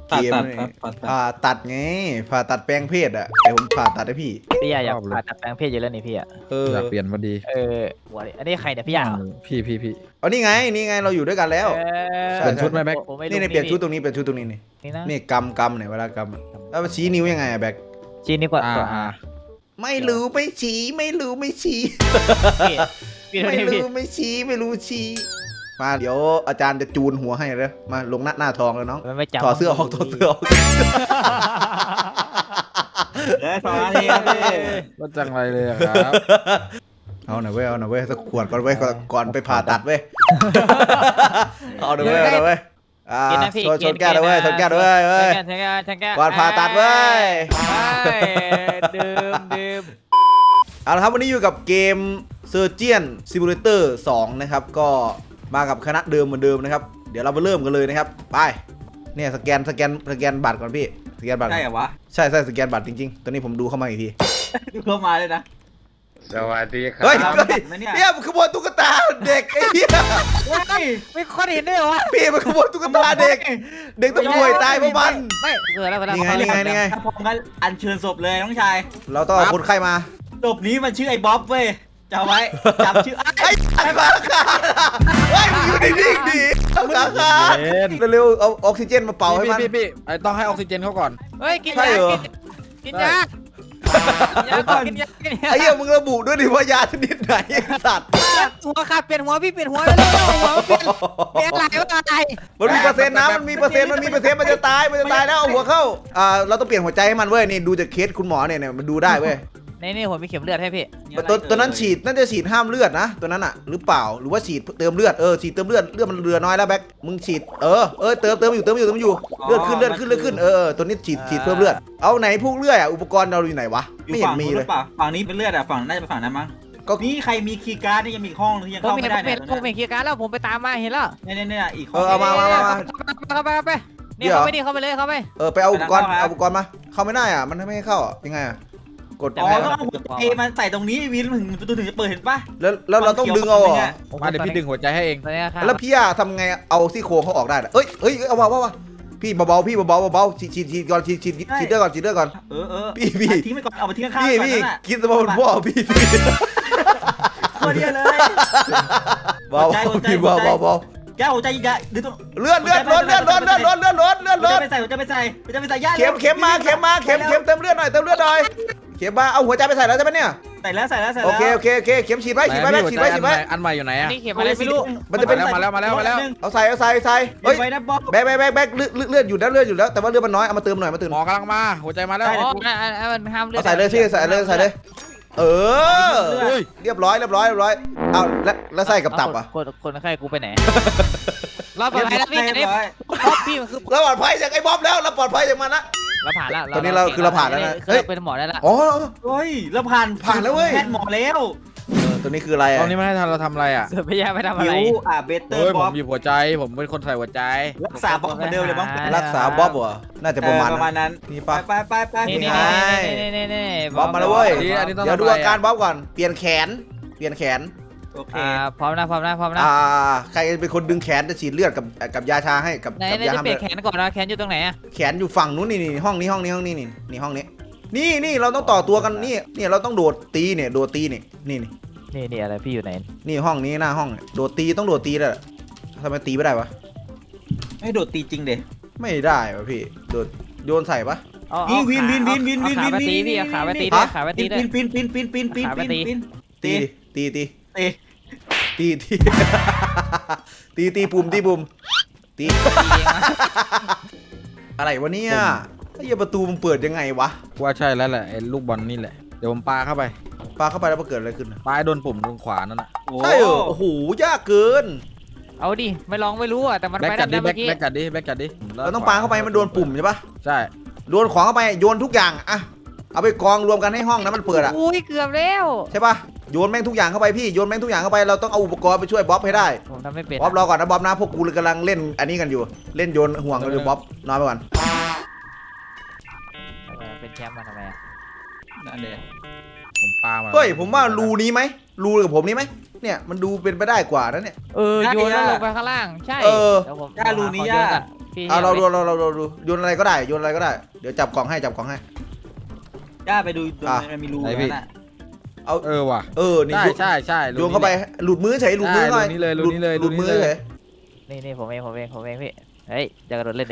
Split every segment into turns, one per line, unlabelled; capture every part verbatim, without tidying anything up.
เกมนี่ผ่าตัดไงผ่าตัดแปลงเพศอ่ะเดี๋ยวผมผ่าตัดให้พี่
พี่อยากผ่าตัดแปลงเพศเยอะแล้วนี่พี่อ่ะ
เออ
อยากเปลี่ยนพอดี
เออหัวดิอันนี้ใครเนี่ยพี่อยาก
พี่พี่พี่
เอานี่ไงนี่ไงเราอยู่ด้วยกันแล้ว
เปลี่ยนชุดไหมแบ็ค
นี่นี่เปลี่ยนชุดตรงนี้เปลี่ยนชุดตรงนี้นี่
นี่นะ
นี่กำกำเนี่ยเวลากำอะแล้วชี้นิ้วยังไงอะแบก
จีนนี่กว่า
อ่า
ตัว
อ่า
ไม่รู้ไม่ชี้ไม่รู้ไม่ชี้
พี่พี่
ไม่
พี่
รู้ไม่ชี้ไม่รู้ชี้มาเดี๋ยวอาจารย์จะจูนหัวให้เลยมาลงหน้าหน้าทองแล้วน้อง
มันไม่จับ
ถอดเสื้อออกถอดเสื้อออก
เอ้ยสองนาทีครับพี่
ก็จังไรเลยอะครับ
เอาหน่อยเว้ยเอาหน่อยเว้ยสักขวดก่อนเว้ยก่อนก่อนไปผ่าตัดเว้ยเอาหน่อยเว้ยเอาหน่อยเว้ยอ่า
กินนะพี่
ชนชนแก้วเลยเว้ยชนแก้วเลยเว้ยเว้ย
ชนแก้วชนแก้ว
ก่อนผ่าตัดเว้ย
ดื่มดื่ม
เอาละครับวันนี้อยู่กับเกม Surgeon Simulator สองนะครับก็มากับคณะเดิมเหมือนเดิมนะครับเดี๋ยวเราไปเริ่มกันเลยนะครับไปเนี่ยสแกนสแกนสแกนบัตรก่อนพี่สแกนบัตร
ใช่เหรอวะ
ใช่ใช่สแกนบัตรจริงๆตอนนี้ผมดูเข้ามาอีกที
ดูเข้ามาเลยนะ
สวัสดีครั
เฮ้ย
ครับ
เฮ้ย
ไหมเนี่ย
เนี่ยมันขโมยตุ๊กตาเด็กไอ้เหี้ย
เฮ้ย
ไม่ค่อยเห็นด้วยเหรอวะ
พี่มันขโมยตุ๊กตาเด็ก เด็กต้องป่วยตายเพราะมัน
ไม่เกิดแล้วเวลา
นี่ไงนี่ไงนี่ไง
ถ้าพร้อมกันอัญเชิญศพเลยน้องชาย
เราต้องเอาคนไข้มา
ศพนี้มันชื่อไอ้บ๊อบเว้ยจำไว้จำชื่อไอ้
ไอ้ขาขาดเฮ้ยมึงอยู่นิ่งๆดิเอาขาขาดเร็วๆเอาออกซิเจนมาเป่าให้
พี่
มัน
พี่พี่ไอต้องให้ออกซิเจนเขาก่อน
เฮ้ยกิน
ใช่
ยา
เหรอ
กินยากินยาก่อนกินยากินยา
ไอ้เหี้ยมึงระบุด้วยดิว่ายาชนิดไหนไอ้สัตว์
หัวขาดเปลี่ยนหัวพี่เปลี่ยนหัวแล้วหัวเปลี่ยนเปลี่ยนอะไรวะอะไร
มันมีเปอร์เซ็นต์นะมันมีเปอร์เซ็นต์มันมีเปอร์เซ็นต์มันจะตายมันจะตายแล้วเอาหัวเข้าอ่าเราต้องเปลี่ยนหัวใจให้มันเว้ยนี่ดูจากเคสคุณหมอเนี่ยเนี่ยมันดูได้เว้ย
นี่นี่ผมมีเข็มเลือดให้พี่
ตัวตัวนั้นฉีดน่าจะฉีดห้ามเลือดนะตัวนั้นอ่ะหรือเปล่าหรือว่าฉีดเติมเลือดเออฉีดเติมเลือดเลือดมันเรือน้อยแล้วแบ็คมึงฉีดเออเออเติมเติมอยู่เติมอยู่เติมอยู่เลือดขึ้นเลือดขึ้นเลือดขึ้นเออตัวนี้ฉีดฉีดเพิ่มเลือดเอาไหนพวกเลือดอ่ะอุปกรณ์เราอยู่ไหนวะ
อยู่
ไม่เห็น
ฝั่ง
มี
นู้นห
เล
รื
ย
อเปล่าฝั่งนี้เป็นเลือดอะฝั่งน่าจะเป็นฝั่งนั้นมั้ง
ก็
นี่ใครมีคีย์การ์ดนี่ยังมีห้องที่ยัง
ผม
เข้า
มี
ไม่ได้
เป็
เนี่
น
ย
ผมเป็นคีย์การ์ดแล้วผมไปตามมาเห็นแล้ว
เนี่ยเนี่ยเนี่ยอีกห้
เออเอามามามามา
เข้าไปเข้าไปนี่เข้าไปดิเข้าไปเลยเข้าไป
เออไปเอาอุปกรณ์เอาอุปกรณ์มาเข้าไม่ได้อ่ะมันไม่ให้เข้าอ่ะยังไงอ่ะกด
อ๋อ
ยังไง
ต้อง
วะ
เอาหัวใจมาใส่ตรงนี้วินถึงประตูถึงจะเปิดเห็นปะ
แล้วแล้วเราต้องดึงเอาเหรอ
มาเดี๋ยวพี่ดึงหัวใจให้เอง
ตอนนี้ครับ
แล้วพี่อะทำไงเอาซี่โครงเขาออกได้เหรอเอ้ยเอ้ยเอามาว่าว่าพี่เบาๆพี่เบาๆเบาๆฉีดฉีดฉีดก่อนฉีดฉีดฉีดเลือดก่อนฉีดเลือดก่อน
เออเออ
พี่พี่
เอาทิ้งไปก่อนเอาไปทิ้งข้างๆ
พี่
ก่อน
พี่
นั่นแหละ
กินสมองพ่อพี่พี่
โคตรเดียวเลย
เบา
หัวใจหัวใจ
พี่
หัว
เบา
ใจ
เบาเบา
แก้วหัวใจยิงยาดึงตัว
เลือดเลือดล้นเลือดล้นเลือดล้นเลือดล้นเลือด
หัว
ล้
ใจ
น
ไปใส่หัวใจไปใส่หัวใจไปใส่ย่า
เข็มเข็มมาเข็มมาเข็มเข็มเติมเลือดหน่อยเติมเลือดหน่อยเข็มมาเอาหัวใจไปใส่แล้วใช่ไหมเนี่ย
ใส่แล้วใส่แล้วใส่
โอ
แล้ว
เคโอเคโอเคเข็มฉีดไว้ฉีดไว้แม่ฉีดไว้ฉีดไว้
อันใหม่อยู่ไหนอะ
นี่เข็มอะไรไม่รู้
มันจะเป็น
มาแล้วมาแล้วมาแล้ว
เอาใส่เอาใส่ใส่
เฮ้
เฮ้
ย
ย
ไว้นะบ๊อบ
แบกแบกแบกแบกเลือดเลือดอยู่แล้วเลือดอยู่แล้วแต่ว่าเลือดมันน้อยเอามาเติมหน่อยมาเติม
หมอกำลังมาหัวใจมาแล้ว
อ๋ออ่ามันห้ามเลือด
เอาใส่เลยพี่ใส่เลยใส่เลย เออเรียบร้อยเรียบร้อยเรียบร้อยเอาแล้วแล้วใส่กับตับอ่ะ
คนคนไข้กูไปไหนรอบต่อไปแล้วพี่อันนี้
เรียบร้อย
รอบพี่มันคือ
เราปลอดภัยจากไอ้บ๊อบแล้วเราปลอดภัยจากมันละ
เราผ่านแล้ว
ตอนนี้เราคือเราผ่านแล้วนะ
เฮ้ยเป็นหมอได้ละ
อ๋อ
เฮ้ยแล้วผ่าน
ผ่านแล้วเว้ย
แพทย์หมอแล้ว
เออตัวนี้คืออะไร
ต
อ่ะ
อนนี้ไม่ให้ทันเราทำอะไรอ่ะ
เสือพยาไปทำอะ
หิ
ไร
วอ่ะเบเตอ
เฮ้ย
ร์
ผ
บ๊อ
ม
บ
หยิบหัวใจผมเป็นคนใส่หัวใจ
รักษาบ๊อบเหมือนเดิมเลยบ๊อบ
รักษาบ๊อบเหรอน่าจะประมาณ
ประมาณนั้น
นี่
ไป
ปะ
ไปไปไป
นี่นี่
ไง
นี่นี่นี่
บ๊อบมาแล้วเว้ย
อันนี้ต้อง
เดี๋ยวดู
ทำอะไร
อาการบ๊อบก่อนเปลี่ยนแขนเปลี่ยนแขน
โอเค
อ่าพร้อมนะพร้อมนะพร้อมนะ
อ่าใครเป็นคนดึงแขนจะฉีดเลือดกับกับยาชาให้กับ
ไหน
กับ
ไหน
ยา
จะ
ห้าม
เปลี่
เลื
ย
อน ด
แขนก่อนนะแขนอยู่ตรงไหนอะ
แขนอยู่ฝั่งนู้นนี่นี่ห้องนี้ห้องนี้ห้องนี้นี่นี่ห้องนี้นี่นี่เราต้องต่อตัวกันนี่นี่เราต้องโดดตีเนี่ยโดดตีนี่นี่นี่
นี่นี่อะไรพี่อยู่ไหน
นี่ห้องนี้หน้าห้องเนี่ยโดดตีต้องโดดตีเลยทำไมตีไม่ได้วะ
ให้โดดตีจริงเด็
ไม่ได้วะพี่โดดโยนใส่ปะ
วินวินวินวินวินวิน
ขาไป
วิน
ตีพี่ขาไปตี
ฮะ
ขาไป
ปี
ตี
น
ด้วย
ปีนปีนปีนปีนปีนปีนปีนปีน
ตีตีตี
ตี
ตีตีตีตีปุ่มตีปุ่มตีอะไรวะเนี่ยไอ้เหี้ยประตูมันเปิดยังไงวะ
ว่าใช่แล้วแหละไอ้ลูกบอลนี่แหละเดี๋ยวผมปาเข้าไป
ปาเข้าไปแล้วมันเกิดอะไรขึ้นนะ
ปาให้โดนปุ่มตรงขวานั่นน่ะ
ใช่เหรอโอ้โหยากเกิน
เอาดิไม่ลองไม่รู้อ่ะแต่มัน
แบ็ก
ไป
กั
ได้
ดดิ
เมื่อกี้
แบ็กกัดดิแบ็กกัดดิ
เราต้องปาเข้าไปให้มันโดนปุ่มใช่ปะ
ใช่
โยนของเข้าไปโยนทุกอย่างอะเอาไปกองรวมกันให้ห้องนั้นมันเปิดอะ
อุ้ยเกือบแล้ว
ใช่ปะโยนแม่งทุกอย่างเข้าไปพี่โยนแม่งทุกอย่างเข้าไปเราต้องเอาอุปกรณ์ไปช่วยบ๊อบให้ได้
ผมทำไม่เป็น
บ๊อบรอก่อนนะบ๊อบนะพวกกูกำลังเล่นอันนี้กันอยู่เล่นโยนห่วงกันอยู่บ๊อบนอนไปก่อน
เป็นแชมป์มาทำไม
นั่นเลย
ผมปามา
เฮ้ยผมว่ารูนี้ไหมรูกับผมนี้ไหมเนี่ยมันดูเป็นไปได้กว่านะเนี่ย
เออโยนแล้วลงไปข้างล่างใช่
เออ
ดี๋ยวผม
ย่ารูนี้ย่า
พี่พี่
เอาเราดูเราเราเราดูโยนอะไรก็ได้โยนอะไรก็ได้เดี๋ยวจับกล่องให้จับกล่องให้
ย่าไปดูดู
อ่ะ
มันมีรู
ไหน
นั่
พี่
นน่ะ
เอา
เออว่ะ
เออนี่
ใช่
โยน
ใช่ใช่
โยนเข้าไปหลุดมือเฉยหลุดมือหน่อย
ใช่รูนี้เลยรูนี้เลย
หลุดมือ
รูนี้
เฉ
เลย
ย
นี่นี่ผมเองผมเองผมเองพี่เฮ้ยจะกระโดดเล่นดิ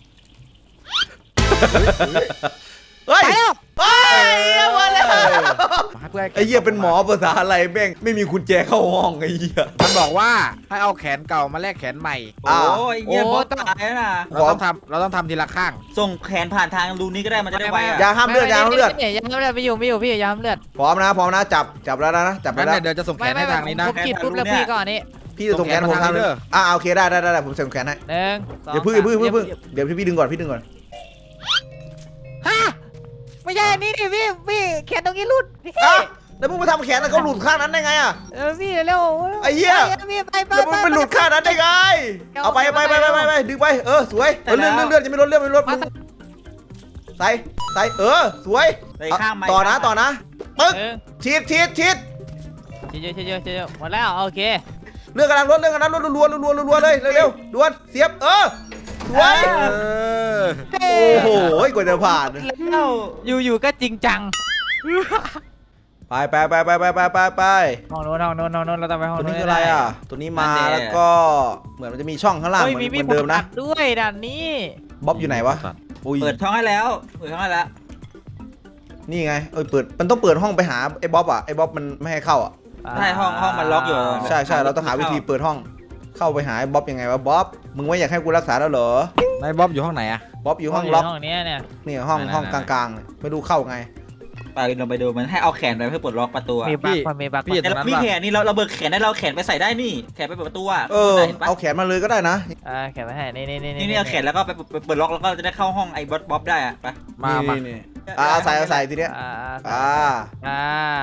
เฮ้ย
ไปแล้ว
เฮ้ยมาแล้ว
ให้เพื่อน
ไอ้เหี้ยเป็นหมอภาษาอะไรแม่งไม่มีกุญแจเข้าห้องไอ้เหี้ย
มันบอกว่าให้เอาแขนเก่ามาแลกแขนใหม่
โอ้
อ่ะ
ยเยี่ย
โอ้
บอส
ต้อง
ตายแล้วนะ
เราต้องทำเราต้องทำทีละข้าง
ส่งแขนผ่านทางรูนี้ก็ได้มันจะได้ไว
อ
อ่ะ
ย่าห้ามเลือดอย่าห้ามเลือด
นี่ยาห้ามเลือดไม่อยู่ไม่อยู่พี่ยาห้ามเลือด
พร้อมนะพร้อมนะจับจับแล้วนะจับไป
งั้น
แล้ว
เดี๋ยวจะส่งแขนให้ทางนี้นะ
ผมขีดปุ๊บแล้วพี่ก่อนนี่
พี่จะส่งแขนผมทางนึงอ่าโอเคได้ได้ได้ผมส่งแขนให้
หนึ่งสอง
เดี๋ยวพึ่งอย่าพึ่งอย่าพึ่งเดี๋ยวพี่ดึงก่อนพี่ดึงก่อน
ฮะไม่ใช่อันนี้ดิพี่พี่แขนตรงนี้หลุดพี่
อ่ะแล้วมึงมาทำแขนแล้วเขาหลุดข้างนั้นได้ไงอ่ะ
เออพี่เร็ว
ไอ้เหี้ย
พี่ไปไป
แล้วมึงไปหลุดข้างนั้นได้ไงเอาไปไปไปไปไปไปดึงไปเออสวยเลื่อนเลื่อนเลื่อนจะไม่ลดเลื่อนไม่ลดใส่ใส่เออสวย
ไปข้างไม้
ต่อนะต่อนะปึ๊ก
หนึ่ง
ฉีดฉีดฉีด
เยอะเยอะเยอะหมดแล้วโอเค
เรื่องกำลังลดเรื่องกำลังลดรัวรัวรัวเลยเร็วๆด่วนเสียบเออสวย
เออ
โอ้โหกว่าจะผ่าน
แล้ว
อยู่อยู่ก็จริงจัง
ไปไปไปไปไปไปไปไป
ห้องโน้นห้องโน้นห้องโน้นเราต้องไปห้อง
ตัว
โน้
นี้
น
คืออะไรอ่ะตัวนี้มาแล้วก็เหมือนมันจะมีช่องข้างล่างเห
เฮ้ย
มือน
มี
เหมือนเดิมนะ
ผด้วยด่านนี้
บ๊อบอยู่ไหนวะอุ้ย
เปิดท้องให้แล้วเปิดท้องให้แล้ว
นี่ไงเอ้ยเปิดมันต้องเปิดห้องไปหาไอ้บ๊อบอ่ะไอ้บ๊อบมันไม่ให้เข้าอ่ะ
ใช่ห้องห้องมันล็อกอยู่
ใช่ใช่เราต้องหาวิธีเปิดห้องเข้าไปหาไอ้บ๊อบยังไงวะบ๊อบมึงไม่อยากให้กูรักษาแล้วเหรอ
นายบ๊อบอยู่ห้องไหนอะ
บ๊อบอยู่ห้องล็อก
ห้องนี้เนี่ย
นี่ห้อง
ไหนๆๆ
ห้องกลางๆเลยไม่รู้เข้าไง
ไปลงไปดูมันให้เอาแขนไปเพื่อปลดล็อกประตูอะ
มีบักมันมีบัก
พี่
แต่เรามีแขนนี่เราเราเบิกแขนได้เราแขนไปใส่ได้นี่แขนไปเปิดประตูอ่ะ
เออ
เห็นปะ
เอาแขนมาเลยก็ได้นะ
อ่าแขนไว้ให้นี่นี่นี่
นี่นี่เอาแขนแล้วก็ไปเปิดล็อกแล้วก็จะได้เข้าห้องไอ้บ๊อบบ๊อบได้อ่ะไป
มามา
นี่นี่อ่าเอาใส่เอาใส่ทีเนี้ย
อ่า
อ่า
อ่าว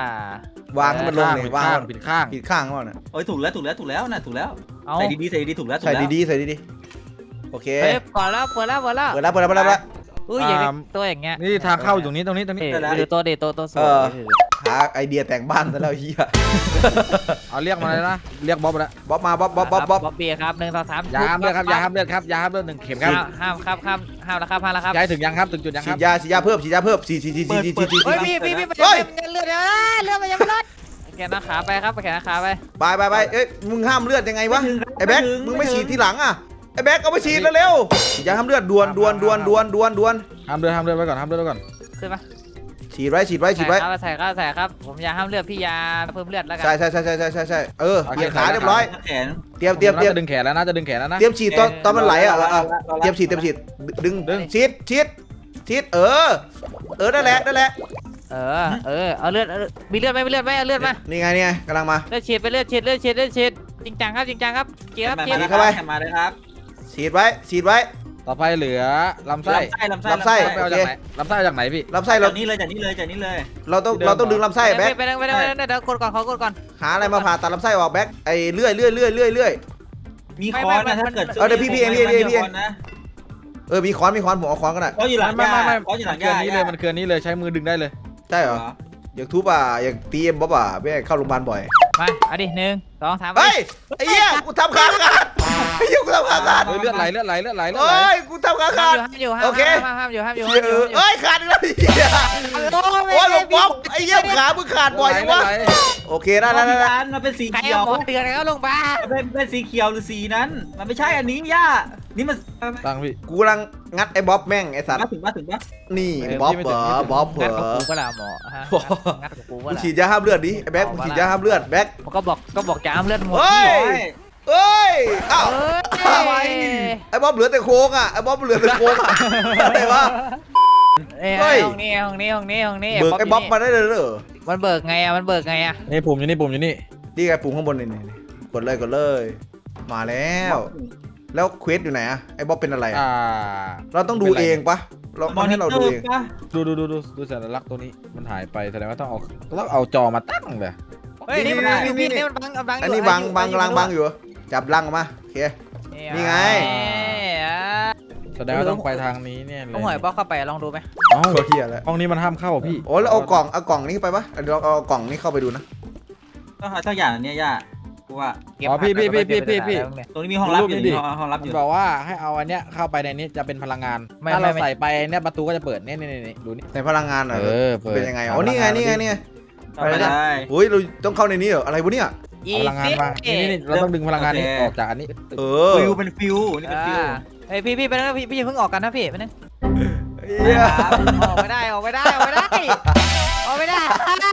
างให้มันลง
ข้าง
เลย
ผิด
วาง
ข้างผิดข้าง
ผิดข้างก่อนนะ
โอ้ยถูกแล้วถูกแล้วถูกแล้วนะถูกแล้ว
เอา
ใส่ดีๆใส่ดีๆถูกแล้วถูก
ใส่
แล้ว
ดีๆใส่ดีๆโอเค
เฮ้ยเปิดแล้วเปิดแล้วเปิดแล้ว
เปิดแล้วเปิดแล้วเปิดแล้วเปิดแล้ว
อุ้ยอย่างนี้ตัวอย่างเงี้ย
นี่ทางเข้าอยู่ตรงนี้ตรงนี้ตรงนี้
เอ้ยดูตัวดิตัวตัวสว
เอย อ หาไอเดียแต่งบ้านซะแล้วเฮีย
เอาเรียกมาเลยนะเรียกบ๊อบมาแล้ว
บ๊อบมาบ๊อบบ๊อบบ๊อบบ๊อบ
บ๊อบบี้ครับหนึ่งสองสาม
ยาห้ามเลือดครับยาห้ามเลือดครับยาห้ามเลือดหนึ่งเข็มครับ
ห้ามครับห้ามห้ามแล้วครับห้ามแล้วครับ
ย้ายถึงยังครับถึงจุดยังค
ฉี
รับ
ดยาฉีดยาเพิ่มฉีดยาเพิ่มฉีดฉีดฉีดฉีดฉีดฉีดฉีด
เฮ้ยพี่พี่พี่
เฮ้ย
เลือดเลือดเลือดมันยังไม่ลดแขนหน้าขาไปครับแขนหน้าขาไป
ไปไปไปเอ้ยมึงห้ามเลือดยังไงวะไอ้แบ็คมึงไม่ฉีดทีหลังอ่ะไอ้แบ็คเอาไปฉีดเร็วๆฉีดยาห้ามเลือดด่วนด่วนด่วนด่วนด่วนด่วน
ห้ามเลือดห้ามเลือดไว้ก่อนห้ามเลือดไว้ก่อน
ขึ้นมา
ฉีดไว้ฉีดไว้ฉีดไว้
ใส่ครับใส่ครับผมยาห้ามเลือดพี่ยาเพิ่มเลือดแล้วกั
ใช่ใช่ใช่ใช่ใช่ใช่ใช่เออเตรียมขาเรียบร้อย
แขน
เตรียมเตรียมเตรียม
จะดึงแขนแล้วนะจะดึงแขนแล้วนะ
เตรียมฉีดตอนตอนมันไหลอ่ะ
รอรอรอรอ
เตรียมฉีดเตรียมฉีดดึง
ดึง
ฉีดฉีดฉีดเออ เออนั่นแหละนั่นแหละ
เออเออเอาเลือดมีเลือดไหมมีเลือดไหมเอาเลือดมา
นี่ไงนี่ไงกำลังมา
เลือดฉีดไปเลือดฉีดเลือดฉีดเลือดฉีดจริงจังครับจริงจังครับเกียร์ครับเกียร์
เข้าไป
มาเลยครับ
ฉีดไว้ฉีดไว้
ต่อไปเหลือลำไส้
ลำไส้
ลำไส้
ไปเอาจากไหนลำไส้เอาจากไหนพี่
ลำไส้เรา
จากนี้เลยจากนี้เลยจากนี้เลย
เราต้องเราต้องดึงลำไส้แบ็ค
ไปไปไปไปเดี๋ยวกดก่อนขอกดก่อน
หาอะไรมาผ่าตัดลำไส้ออกแบ็คไอ้เลื่อยเลื่อยเลื่อยเลื่อยเลื่อย
มีค้อนนะถ้าเกิด
เออเดี๋ยวพี่พี่เองพี่เองพี่เองพี่เอง
นะ
เออมีค้อนมีค้อนผมเอาค้อนก็ได้
ค้อนอยู่หลัง
ไม่
ย่า
ไม่ไม่
ค้อนอยู่หลัง
เกิ
ย่าน
นี้เลยมันเกินนี้เลยใช้มือดึงได้เลย
ใช่เหรออยากทุบอ่ะอยากตีเอ็มบ๊อบอ่ะไม่ให้เข้าโรงพยาบาลบ่อย
มาเอาดิหนึ่งสองสาม
เฮ้ยไอ้เหี้ยกูทำขาขาดไอ้เหี้ยกูทำขาขาด
เฮ้ยเลือดไหลเลือดไหลเลือดไหลเลือดไหล
เฮ้ยกูทำขาขาด
ห้ามอยู่ห้าม
โอเค
ห้ามห้ามอยู่ห้ามอยู่
เหี้ยเอ้ยขาดอีกแล้วไอ้เหี้ยโอ้ยหลวงบ๊อบไอ้เหี้ยขามึงขาดบ่อยจังวะโอเคได้
ได้
ได้
ได้
ได้
ได้มันเป็นสี
ใคร
เขียว
เอาหมอเตือนแล้วลงมา
มันเป็นเป็นสีเขียวหรือสีนั้น มันไม่ใช่อันนี้ย่านี่มัน
ตังพี่
กูกำลังงัดไอ้บ๊อบแม่งไอ้สัตว์
มาถึงมาถึงปะ
นี่บ๊อบเหรอบ๊อบเหร
งัดกับ
อ
กูก็แล้วหมอฮะงัดกับกู
มึ
ก็
ง
แล้ว
ฉีดยาห้ามเลือดดิไอ้แบ็คมึงฉีดยาห้ามเลือดแบ็ค
มันก็บอกก็บอกจะห้ามเลือดหมด
เฮ้ยเอ้ยอ้าว
เอ้ย
ไอ้บ๊อบเหลือแต่โค้งอ่ะไอ้บ๊อบเหลือแต่โค้งอ่ะอะไรวะ
เอ้ย
เฮ้ย
ห้องนี้ห้องนี้ห้องนี้ห้องนี้
เบิกไอ้บ๊อบมาได้เลยเหรอ
มันเบิกไงอ่ะมันเบิกไงอ่ะ
นี่ปุ่มอยู่นี่ปุ่มอยู่นี่
นี่ไงปุ่มข้างบนนี่นี่นี่กดเลยกดเลย มาแล้ว แล้วเควสอยู่ไหนอะไอ้บ๊อบเป็นอะไรอะ
อ่า
เราต้องดูเองปะเราต้องให้เราดูเอง
ปะ
ดูดูดูดูดูสัญลักษณ์ตัวนี้มันหายไปแสดงว่าต้องเอาต้องเอาจอมาตั้งเลย
เฮ้ยนี่มันบังอยู่พี่นี่มันบังบัง
อันนี้บังบังลังบังอยู่จับลังออกมาโอเค นี่ไง
แสดงว่าต้องไปทางนี้เนี่ยเลย
ต้องหอยบ๊อบเข้าไปลองดูไหม
เอ้า
ตัวเฮียแล้ว
ห้องนี้มันห้ามเข้าอ่ะพี่
โอ้แล้วเอากล่องเอากล่องนี้ไปปะเดี๋ยวเราเอากล่องนี้เข้าไปดูนะ
ต้องหาสักอย่างอันเนี้ยย่ากูว่า
เก็บ
อ๋อพี่พี่พี่พี่พี่พี่
ตรงนี้มีห้องลับอยู่
ดูรูปนี้ดิ
มีห้องลับอ
มัน
ยู่
บอกว่าให้เอาอันเนี้ยเข้าไปในนี้จะเป็นพลังงาน
ไม่
ถ้าเรา
ไม่
ใส่ไปเนี่ยประตูก็จะเปิดเนี่ยนี่นี่ดูนี่
ในพลังงานเหรอ
เออเปิด
เป็นยังไงอ๋อนี่ไงนี่ไงนี่ไง
เข้าไปได้
โอ้ยเราต้องเข้าในนี้เหรออะไรวะเนี่ย
อี
เอาพลังงานมานี่นี่นี่เราต้องดึงพลังงานนี้ออกจากอันนี้
เออ
ฟิวเป็นฟิวนี่เป็นฟิว
เฮ้ยพี่พี่ไปนึงพี่พี่เพิ่งออกกันนะพี่ไปนึง
เหี้ย
ออกไม่ได้ออกไม่ได้ออกไม่ได้ออกไม่ได้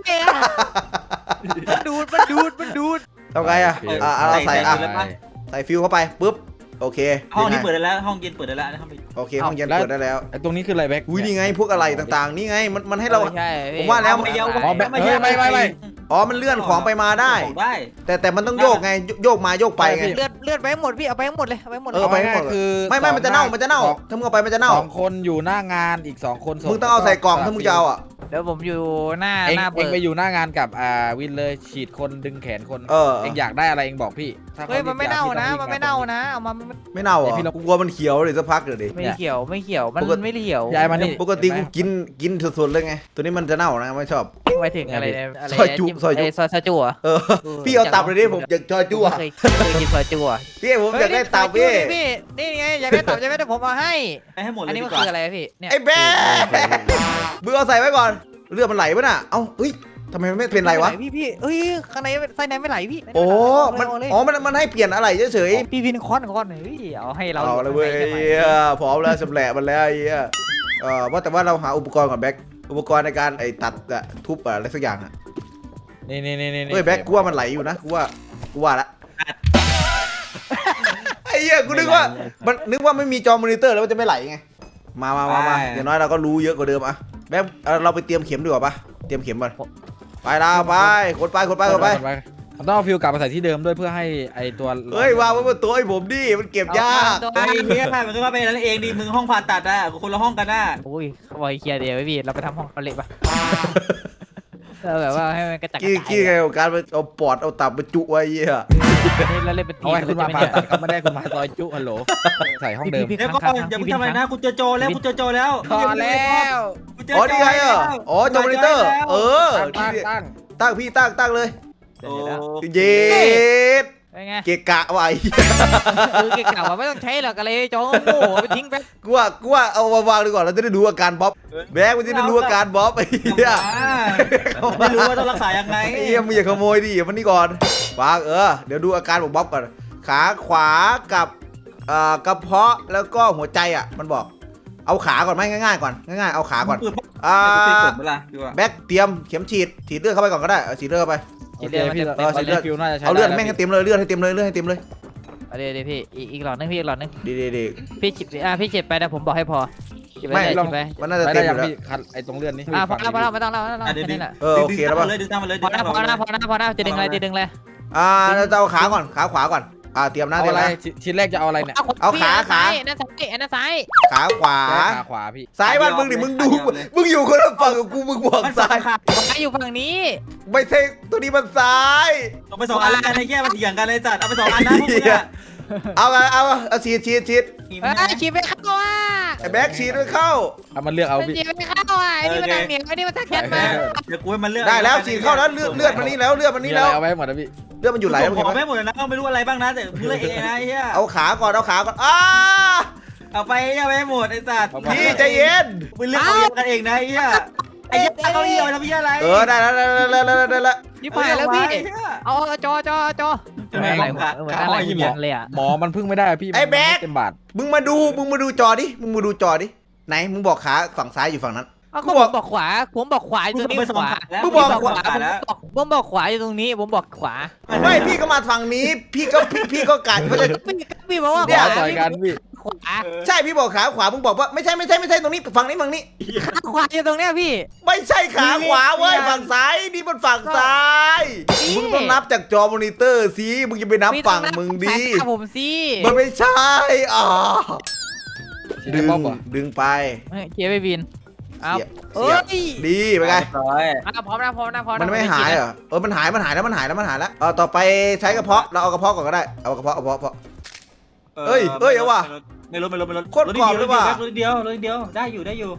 มันดูดมันดูดมันดูด
ทำไงอ่ะอ่ะเราใส่อ่ะใส่ฟิวเข้าไปปุ๊บโอเค
ห้องนี้เปิดได้แล้วห้องเย็นเปิดได้แล้วนะครับ
โอเคห้องเย็นเปิดได้แล้ว
ไอ้ตรงนี้คืออะไรแบ็ค
อุ้ยนี่ไงพวกอะไรต่างๆนี่ไงมันมันให้เรา
ใช่
ผมว่าแล้ว
ไม่เยา
อ๋อแบ็คเฮ้ยไม่ไม่ไม่
อ๋อมันเลื่อนของไปมาได้
ได้
แต่แต่มันต้องโยกไงโยกมาโยกไปไง
เลือดเลือดไปหมดพี่เอาไปหมดเลยเอาไปหมดเล
เอย อไปให้หมด
คือ
ไม่ไม่มันจะเน่ามันจะเน่าถ้ามึงเอาไปมันจะเน่า
สองคนอยู่หน้างานอีกสองคน
มึงต้องเอาใส่กล่องถ้ามึงจะเอาอ่ะ
เดี๋ยวผมอยู่หน้า
เอง
หน้า
เอ
เบิ
ง
ร์
ไปอยู่หน้างานกับอ่าวินเลยฉีดคนดึงแขนคน
เออ
เองอยากได้อะไรเองบอกพี่ถ้าขา
เฮ้ยมันไม่เน่านะ
รีบ
มันไม่เน่านะเอามา
ไม่เน่าเหรอกูกลัวมันเขียวเลยสักพักเดี๋ยวดิ
ไม่เขียวไม่เขียวมันไม่เขียว
ย้ายมานี่
ปกติกูกินกินสดๆเลยไง ตัวนี้มันจะเน่านะไม่ชอบ
ไปถึงอะไรอะไร
ซอยจุซอยจุ
ซอยซอยจุอ่ะ
เออพี่เอาตับเลยดิผมอยากจอยจั่ว
เคยเคยกินซอยจุอ่ะ
พี่ผมอยากได้ตับพี่
พี่นี่ไงอยากได้ตับใช่ไหมเดี๋ยวผมเอาให้
ไปให้หมดเล
อัน
ย
นี้
ดี
มัน
กว่า
คืออะไรพี่เนี่ย
ไอ้แบ๊มึงเอาใส่ไว้ก่อนเลือดมันไหลปะน่ะเอ้าเฮ้ยทำไมมันไม่เป็นไรวะ
พี่พี่เอ้ยข้างในไส้ในไม่ไหลพี่
โอ้มันอ๋อมันมันให้เปลี่ยนอะไรเฉย
พี่พี่คอนคอนเฮ้ยเอาให้
ๆ
เรา
เอาเลยเว้ยพร้อมแล้วสำแหละมันแล้วไอ้เหี้ยเออว่าแต่ว่าเราหาอุปกรณ์ก่อนแบ็คอุปกรณ์ในการไอ้ตัดอะทุบอะอะไรสักอย่างอะ
นี่นี่นี่นี่
เฮ้ยแบ็คกูว่ามันไหลอยู่นะกูว่ากูว่าละไอ้เหี้ยกูนึกว่ามันนึกว่าไม่มีจอมอนิเตอร์แล้วมันจะไม่ไหลไงมามามามาอย่างน้อยเราก็รู้เยอะกว่าเดิมอะแบ็คเราไปเตรียมเข็มดีกว่าปะเตรียมเข็มก่อนไปลาไปกดไปกดไปกดไป
เราต้องเอาฟิวกลับมาใส่ที่เดิมด้วยเพื่อให้ไอตัว
เฮ้ยวางไว้บนโต๊ะให้ผมดิมันเก็บยาก
ไอ้เฮียมันก็ว่าเป็นนั่นเองดิมึงห้องผ่าตัดอ่ะคนละห้องกันน่ะ
โอ้ยบอยเคลียร์เดียวพี่เราไปทำห้องเขาเละปะเราแบบว่าให้มันกระจัดกระ
กี้
จาย
กี้ไงกับการไปเอาปอดเอาตับมาจุไว้เหี้ย
นี่เราเล่นเป็นที
เอา
ม
ไว้คุณมาผ่าตัดก็ไม่ได้คุณมาซอยจุฮัลโหลใส่ห้องเดิม
เดี๋ยวก็อย่าพูดทำไมนะกูเจอโจแล้วกูเจอโจแล้ว
พอแล้ว
อ๋อนี่ไงอ่ะอ๋อจอมอนิเตอร์เออ
ตั้งตั้ง
ตั้งพี่ตั้งตั้งเลย
โอ้
เย็ด
เป็นไง
เกะกะไว้
คือเก่งๆว่าไม่ต้องใช้หรอกอะไรจอโง่ไปทิ้งไป
กูว่ากูว่าเอามาวางดีกว่าเราจะได้ดูอาการบ๊อบแบกมันจะได้รู้อาการบ๊อบไอ้เหี้ย
ไม่รู้ว่าต้องรักษายังไง
ไอ้เหี้ยมึงอย่าขโมยดิมันนี่ก่อนวางเออเดี๋ยวดูอาการของบ๊อบก่อนขาขวากับเอ่อกระเพาะแล้วก็หัวใจอ่ะมันบอกเอาขาก่อนไหมง่ายๆก่อนง่ายๆเอาขาก่อนอ่า
เวลาดีกว่า
แบ็คเตรียมเข็มฉีดฉีดเลือดเข้าไปก่อนก็ได้เอาฉีดเลือดเข้าไป
โอเคพี่ตอนนี้ฟิวน่าจะใช้
เอาเลือดแม่งให้เต็มเลยเลือดให้เต็มเลยเลือดให้เต็มเลย
เดี๋ยวเดี๋ยวพี่อีกหลอดนึงพี่อีกหลอดนึง
ดีดีดี
พี่จิบอ่ะพี่เจ็บไปนะผมบอกให้พอจิบไป
ไม่
จิบไป
มันน่าจะ
ไม่
เต็
ได้
มอ
ยัง
ยู่แล้ว
พี่คัดไอตรงเลื่อนนี่
อ่ะพอแล้วพอแล้วไม่ต้องแล้วไม่ต้องแล้ว
ดึง
แค่นี้แหละ
เออโอเคแล้วป่ะ
เลยดึงตามมาเลย
พอแล้วพอแล้วพอแล้วพอแล้วจะดึงอะไรจะดึงอะไร
อ่าเราจะเอาขาก่อนขาขวาก่อนอ่าเตรียมนะ
เอา
เตรียม
อะไร
นะ
ชิ้นแรกจะเอาอะไรเนี่ย
เอาขาขา
อันนั้นซ้ายอันนั้นซ้าย
ขาขวา
ขาขวาพี่
ซ้ายบ้านมึงดิมึงดูมึงอยู่คนละฝั่งกับกูมึงบอก
มัน
ซ้า
ซ้าย ยค่ะ
ซ้ายอยู่ฝั่งนี้
ไม่ใช่ตัวนี้มันซ้าย
ต้องไปสองอันแล้วกันไอ้แย่มันเถียงกันเลยจัดเอาไปสองอันนะพวกมึงอ่ะ
เอาเอาเอาเอาฉีดฉีดฉีด
เฮ้ยฉีดไม่เข้าอ่ะ
ไอ้แบ็คฉีดด้วยเข้า
เอามันเลือกเอาพี่
ฉีดไม่เข้าอ่ะไอ้นี่มันทางเหนียวไอ้นี่มันทางแคทมา
เดี๋ยวกูให้มันเลือก
ได้แล้วฉีดเข้าแล้วเลือดเลือดมันนี่แล้วเลือดมัน
มี
นี่
อะไร
แล้ว
เอาไว้หมดนะพี่
เลือดมันอยู่ไหล
ไหล
แล้ว
ข
เห็น
อ
ไหม
ไม่หมดเลยนะไม่รู้อะไรบ้างนะแต่มึงเลือกเองนะไอ้เหี้ย
เอาขาก่อนเอาขาก่อนอ้า
เอาไปเอาไปหมดไอ้สัตว์
พี่ใจเย็น
มึงเลือกเอากันเองนะไอ้เหี้ยไอ้เหี้ยเอาเหี้ยทำเหี้ยอะไร
เออได้แล้วได้แล้วได้แล้วได้แล้ว
นี่ไปแล้วพี่เอาจอจอจอเหมือนอะไรเหมือนอะไรเหมือนเลยอ่ะ
หมอมันพึ่งไม่ได้พี่เต็มบาท
มึงมาดูมึงมาดูจอดิมึงมาดูจอดิไหนมึงบอกขาฝั่งซ้ายอยู่ฝั่งนั้น
ผมบอกขวาผมบอกขวาอยู่ตรงนี้ขวา
มึงบอกขวา
ผมบอกขวาอยู่ตรงนี้ผมบอกขวา
ไม่พี่ก็มาฝั่งนี้ พี่ก็พี่พี่ก็กัดว่าจะ
พี่พี่บอกว่า
เดี๋ยวต่อยกันพี่
ขวา
ใช่พี่บอกขาขวามึงบอกว่าไม่ใช่ไม่ใช่ไม่ใช่ตรงนี้ฝั่งนี้ฝั่งนี้
ขาขวาอยู่ตรงเนี้ยพี่
ไม่ใช่ขาขวาเว้ยฝั่งซ้ายนี่มันฝั่งซ้ายมึงต้องนับจากจอมอนิเตอร์สิมึงจะไปนับฝั่งมึงดี
ผมสิ
มันไม่ใช่อ่า
ชิ้น
ดึง
บ๊อบเหรอ
ดึงไป
เกียร์ไปบินเอา
เสียบ
เอ้
เสียบ
ย
ดีไปไง
ร้อย
พร้อมนะพร้อมนะพร้อม
มันไม่หายเหรอเออมันหายมันหายแล้วมันหายแล้วมันหายแล้วเออต่อไปใช้กระเพาะเราเอากระเพาะก่อนก็ได้เอากระเพาะเอากระเพาะ
ไม่รู้ไม่รู้ไม่รู้รถเดียวรถเดียวได้อยู่ได้อยู่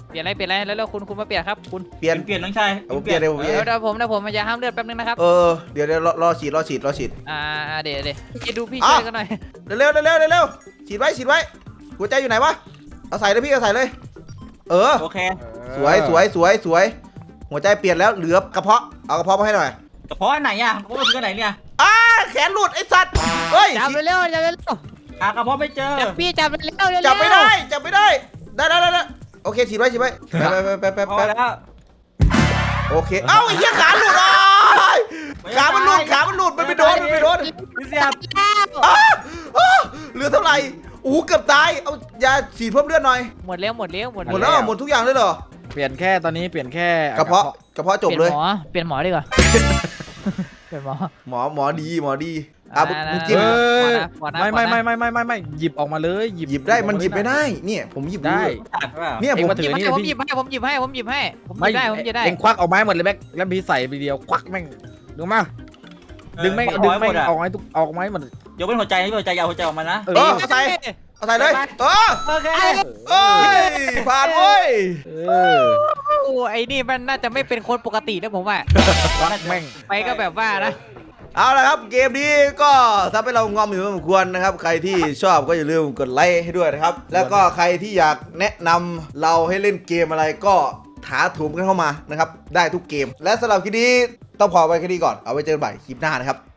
เปลี่ยนอะไรเปลี่ยนอะไรแล้วแล้วคุณคุณมาเปลี่ยนครับคุณ
เปลี่ยน
เปลี่ยนน้องชาย
เอาเปลี่ยนเลยผมเปลี่ยน
เดี๋ยวเดี๋ยวผมเดี๋ยวผมมันจะห้ามเลือดแป๊บนึงนะครับ
เออเดี๋ยวเดี๋ยวรอรอฉีดรอฉีดรอฉีด
อ่าเดี๋ยวเดี๋ยวพี่ดูพี่
อ้า
ช่
ว
วยกันหน่อย
เร็วเร็วเร็วเร็วเร็วฉีดไว้ฉีดไว้หัวใจอยู่ไหนวะเอาใส่เลยพี่เอาใส่เลย เออ
โอเค
สวยสวยสวยสวยหัวใจเปลี่ยนแล้วเหลือกระเพาะเอากระเพาะมาให้หน่อย
กระเพาะอันไหนอ่ะกระเพาะมันคืออันไหนเนี่ย
อ้าแขนหลุดไอ้สัตว์เฮ้ย
จับเร็วๆจับเร็ว
หากระเพาะไม่เจอ
ๆจับพี่จับเร็วๆเร็วๆ
จับไม่ได้จับไม่ได้ได้ได้ได้ได้โอเคฉีดไว้ฉีดไว้ไปไปไปไป
พอ
ไป
แล้ว
โอเคเอ้าไอ้เหี้ยขาหลุดอ้ายขามันหลุดขามันหลุดมันไปโดนมันไปโดน
พี่เสียบ
อ้าอ้าเหลือเท่าไหร่โอ้โหเกือบตายเอายาฉีดเพิ่มเลือดหน่อย
หมดแล้วหมดแล้วหมด
หมดแล้วเหรอหมดทุกอย่างเลยเหรอ
เปลี่ยนแค่ตอนนี้เปลี่ยนแค่
กระเพาะกระเพาะจบ
เป
เล
ลี่ย
ย
นหมอเปลี่ยนหมอดีกว่าเปลี่ยนหมอ
หมอหมอดีหมอดีอ่ะมึง
อ่า
มึงจิ้ม
เอ้ย
ขอนะขอนะ
ไม่ไม่
ขอนะ
ไม่ไม่ไม่ไม่ไม่หยิบออกมาเลยหยิบ
หยิบได้มันหยิบไม่ได้เนี่ยผมหยิบ
ได้
ตัดเปล่า
เนี่ย
เอ็
ผ
ง
ม
มาถื
หยิบ
อ
ให้
นี่
ผม
พี่
หยิบให้ผมหยิบให้ผมหยิบให้ผมหยิ
ไม่
บได้ผมหยิบได้
เอ็งควักออกไม้หมดเลยแบ็คแล้วพี่ใส่ไปเดียวควักแม่งดูมาดึงแม่งดึงแม่งออกไม้ทุกออกไม้หมด
ยกเป็นหัวใจนี่หัวใจยาวหัวใจออกมานะ
เอ
เอ
อ
อเอาใส่เอาใส่เลยเออ
โอเค
เอ้ยผ่านเว้ย
เออ
โอ้ไอ้นี่มันน่าจะไม่เป็นคนปกตินะผมว่า
ควักแม่ง
ไปก็แบบว่านะ
เอาละครับเกมนี้ก็ทำให้เรางอมอยู่พอสมควรนะครับใครที่ชอบก็อย่าลืมกดไลค์ให้ด้วยนะครับแล้วก็ใครที่อยากแนะนำเราให้เล่นเกมอะไรก็ถาโถมกันเข้ามานะครับได้ทุกเกม และสำหรับคลิปนี้ต้องพอไว้แค่นี้ก่อนเอาไว้เจอกันใหม่คลิปหน้านะครับ